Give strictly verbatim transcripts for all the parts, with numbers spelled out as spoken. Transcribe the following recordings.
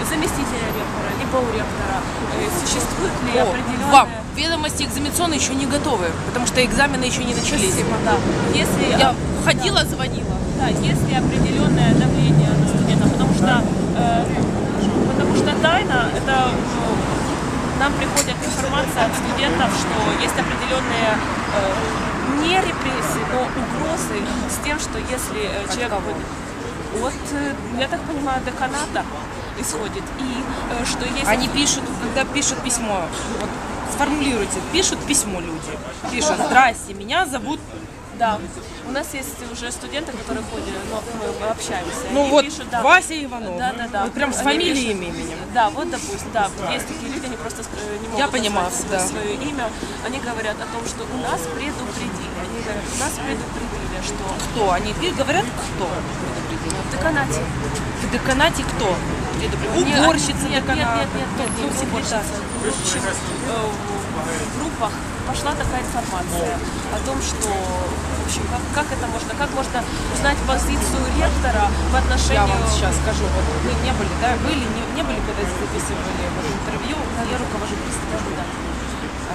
заместителя ректора, либо у ректора? Э, Существует ли О, определенная... вам ведомости экзаменационные еще не готовы, потому что экзамены еще не начались. Спасибо, да. Если, Я ходила, звонила. да, есть ли определенное давление на студентов, потому что, э, потому что тайна, это э, нам приходит информация от студентов, что есть определенные э, не репрессии, но угрозы с тем, что если э, человек будет от, э, я так понимаю, деканата исходит, и э, что есть... Они пишут, когда пишут письмо, вот сформулируйте, пишут письмо люди. Пишут: здрасте, меня зовут. Да, у нас есть уже студенты, которые ходят, но мы, мы общаемся. Ну они вот пишут, да, Вася Иванов. Да, да, да. Вот прям с Они фамилией, пишут- именем. Да, вот допустим, да, есть такие люди, они просто э, не могут Я понимаю, назвать да. свое имя. Они говорят о том, что у нас предупредили. Они говорят, у нас предупредили, что Кто? Они пи- говорят, кто предупредил? в деканате. В деканате кто предупредил? Нет, Уборщица нет, нет, деканата. нет, нет, нет, Ну, не секретарь. уборщица. В общем, э, в группах пошла такая информация о том, что в общем, как, как это можно, как можно узнать позицию ректора в Я отношении... вам сейчас скажу, вот вы не были, да, были, не, не были, когда записывали вот интервью, я руковожу представлением. Да. А,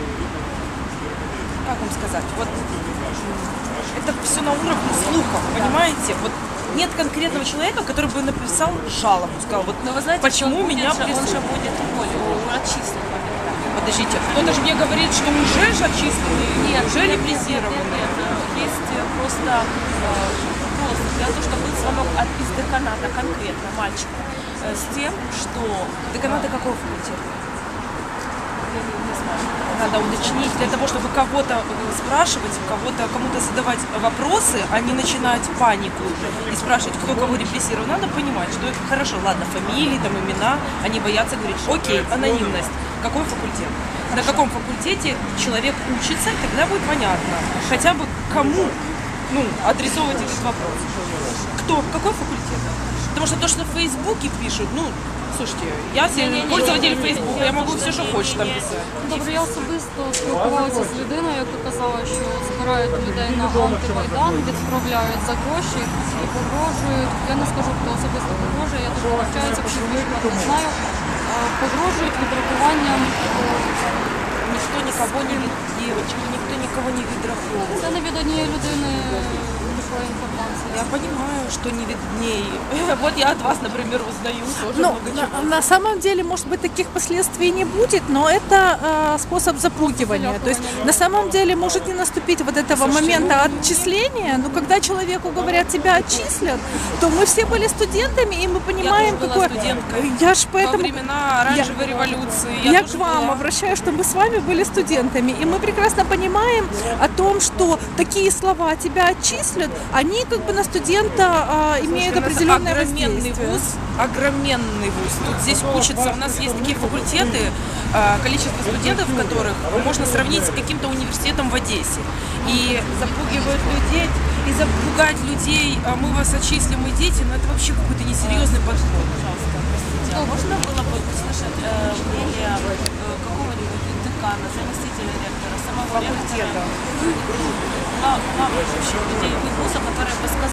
как вам сказать, вот это все на уровне слухов, понимаете? Вот нет конкретного человека, который бы написал жалобу, сказал, вот Но вы знаете, почему что он меня будет, же- он прессуют. же будет уволен, отчислен. Подождите, кто-то же мне говорит, что уже же отчислены, уже репрессированы. Нет, нет, есть э, просто э, вопрос для того, чтобы был звонок от, из деканата конкретно мальчика э, с тем, что... Деканата какого факультета? Я не, не знаю. Надо уточнить для того, чтобы кого-то э, спрашивать, кого-то, кому-то задавать вопросы, а не начинать панику и спрашивать, кто кого репрессировал. Надо понимать, что это хорошо, ладно, фамилии, там, имена, они боятся говорить, окей, анонимность, какой факультет. На каком факультете человек учится, тогда будет понятно, хотя бы кому ну, адресовывать этот вопрос. Кто, какой факультет? Потому что то, что в Фейсбуке пишут, ну, слушайте, я пользователь Фейсбука, я могу все, що хочу там писати. Добре, я особисто спілкувалася з людиною, яка казала, що збирають людей на антимайдан, відправляють за гроші і погрожують. Я не скажу, хто особисто погрожує, я дуже навчаюся, психологічно не знаю. Е, Погрожують відрахуванням. Ніхто нікого не від дівчинки, ніхто нікого не відраховує. Це не від однієї людини пішла інформація. Я понимаю, что не виднее. Вот я от вас, например, узнаю тоже Ну, много чего. на, на самом деле, может быть, таких последствий не будет, но это э, способ запугивания. То есть, на самом деле, может не наступить вот этого момента отчисления, но когда человеку говорят, тебя отчислят, то мы все были студентами, и мы понимаем, Я тоже была какое... студенткой. Я ж Во поэтому... времена оранжевой революции. Я, Я, к тоже вам была. обращаюсь, что мы с вами были студентами, и мы прекрасно понимаем о том, что такие слова тебя отчислят, они как бы на студента а, имеют У нас определенное огроменный воздействие. вуз, огроменный вуз. Тут здесь учатся, у нас есть такие факультеты, а, количество студентов, которых можно сравнить с каким-то университетом в Одессе. И запугивают людей, и запугать людей, а мы вас отчислим, идите, но это вообще какой-то несерьезный подход. Пожалуйста, простите, а можно было бы услышать э, мнение э, какого-нибудь декана, заместителя ректора, самого Факультета. ректора, глав- главных вообще людей вуза, которые бы сказали,